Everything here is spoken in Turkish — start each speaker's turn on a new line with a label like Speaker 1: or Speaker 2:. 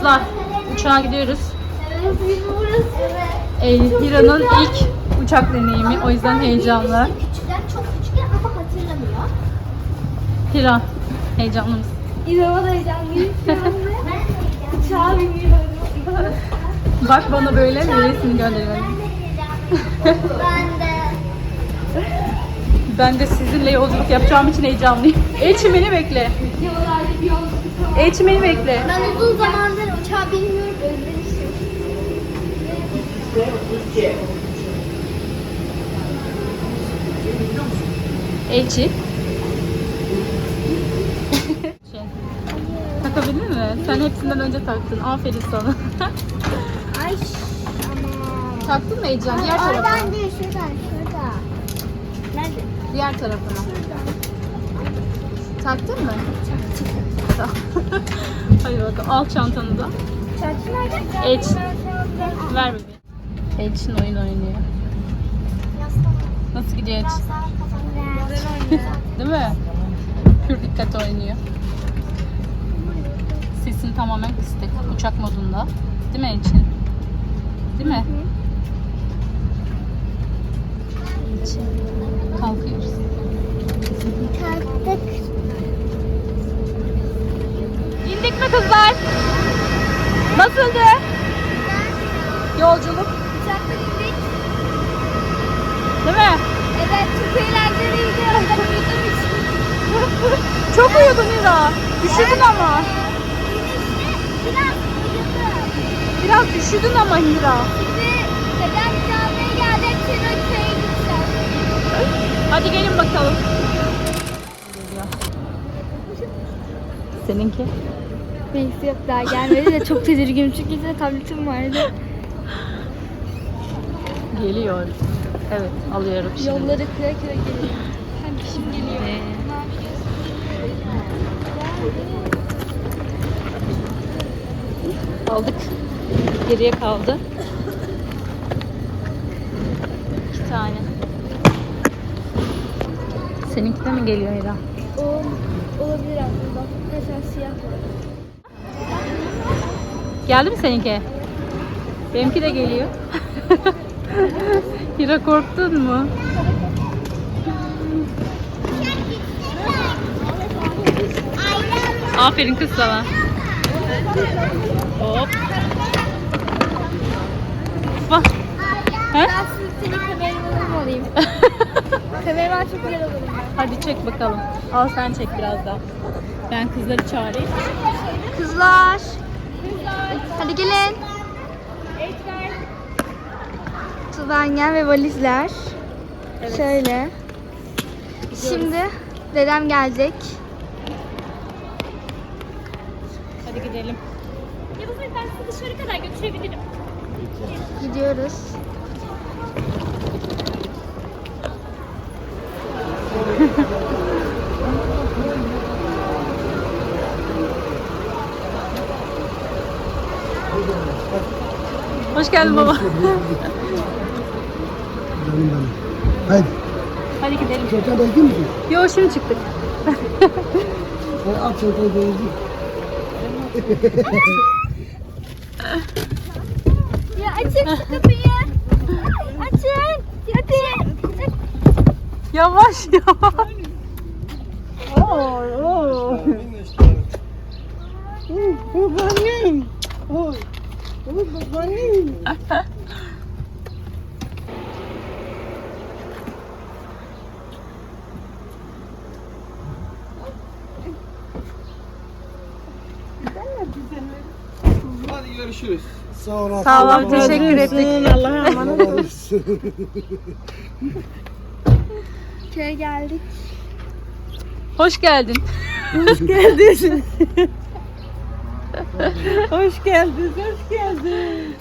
Speaker 1: Kızlar, uçağa gidiyoruz.
Speaker 2: Evet.
Speaker 1: Hira'nın ilk uçak deneyimi, o yüzden heyecanlı.
Speaker 2: Küçükler, çok küçükler ama hatırlamıyor.
Speaker 1: Hira, heyecanlı mısın?
Speaker 2: İnanılmaz heyecanlıyım şu anda. Uçağa biniyorum.
Speaker 1: Bak bana böyle resim gönderiyorum.
Speaker 2: Ben de.
Speaker 1: Ben de sizinle yolculuk yapacağım için heyecanlıyım. Elçin beni bekle.
Speaker 2: Yollarda bir yolculuk.
Speaker 1: Elçin beni bekle.
Speaker 2: Ben uzun zamandır uçağa binmiyorum, özlemişim.
Speaker 1: Elçi. Takabildin mi? Sen hepsinden önce taktın. Aferin sana.
Speaker 2: Ay ama.
Speaker 1: Taktın mı heyecan? Diğer tarafına.
Speaker 2: Oradan değil, şuradan, şurada. Nerede?
Speaker 1: Diğer tarafına.
Speaker 2: Şuradan.
Speaker 1: Taktın mı? Tamam. Hadi bakalım. Al çantanı da.
Speaker 2: Çarşı nerede?
Speaker 1: Elç. Ver bebeğim. Elçin oyun oynuyor. Nasıl gidiyor Elçin? Değil mi? Pür dikkat oynuyor. Sesin tamamen kısık. Uçak modunda. Değil mi Elçin? Değil mi? Elçin. Kalkıyoruz.
Speaker 2: Kalktık.
Speaker 1: İndik mi kızlar? Nasıldı? Yolculuk.
Speaker 2: Uçakta indik.
Speaker 1: Değil mi?
Speaker 2: Evet, çok eğlenceliydi. Ben uyuduğum için.
Speaker 1: Çok uyudun Hira. Üşüdün ama.
Speaker 2: Biraz uyudum.
Speaker 1: Biraz üşüdün ama Hira.
Speaker 2: Şimdi dedem camiye geldi. Çırıköy'e gideceğiz.
Speaker 1: Hadi gelin bakalım. Seninki?
Speaker 2: Neyse yok, daha gelmedi de çok tedirginim çünkü size tabletim vardı.
Speaker 1: Geliyor. Evet, alıyorum şimdi.
Speaker 2: Yolları kıra kıra geliyor. Hem kişim geliyor. Ne yapıyorsun?
Speaker 1: Aldık. Geriye kaldı. 2 tane. Seninki de mi geliyor Hira?
Speaker 2: O olabilir aslında. Mesela siyah var.
Speaker 1: Geldi mi seninki? Benimki de geliyor. Hira korktun mu? Aferin kız sana. Hop. Bak. He?
Speaker 2: Ben senin kameramanım olayım. Kameraman çok güzel olurum ben.
Speaker 1: Hadi çek bakalım. Al sen çek biraz daha. Ben kızları çağırayım.
Speaker 2: Kızlar. Hadi gelin. Tuvanyen ve valizler.
Speaker 1: Evet.
Speaker 2: Şöyle. Şimdi dedem gelecek.
Speaker 1: Hadi gidelim.
Speaker 3: Yavuz Bey, ben sizi dışarı kadar götürebilirim.
Speaker 2: Gidiyoruz.
Speaker 1: Hoş geldin baba.
Speaker 4: Canım benim. Haydi.
Speaker 1: Hadi gidelim.
Speaker 4: Çocuklar bekliyor musun?
Speaker 1: Yo şimdi çıktık.
Speaker 4: Hadi at çocukları bekliyor.
Speaker 2: Ya açın şu kapıyı. Açın. Hadi.
Speaker 1: Yavaş yavaş. Oo.
Speaker 4: Babaannem. Oy. Oy babaannem.
Speaker 5: Hadi görüşürüz.
Speaker 4: Sağ ol.
Speaker 1: Sağ ol, teşekkür ettik.
Speaker 4: Allah'a emanet ol.
Speaker 2: Köye geldik.
Speaker 1: Hoş geldin.
Speaker 6: Hoş geldin. Hoş geldin.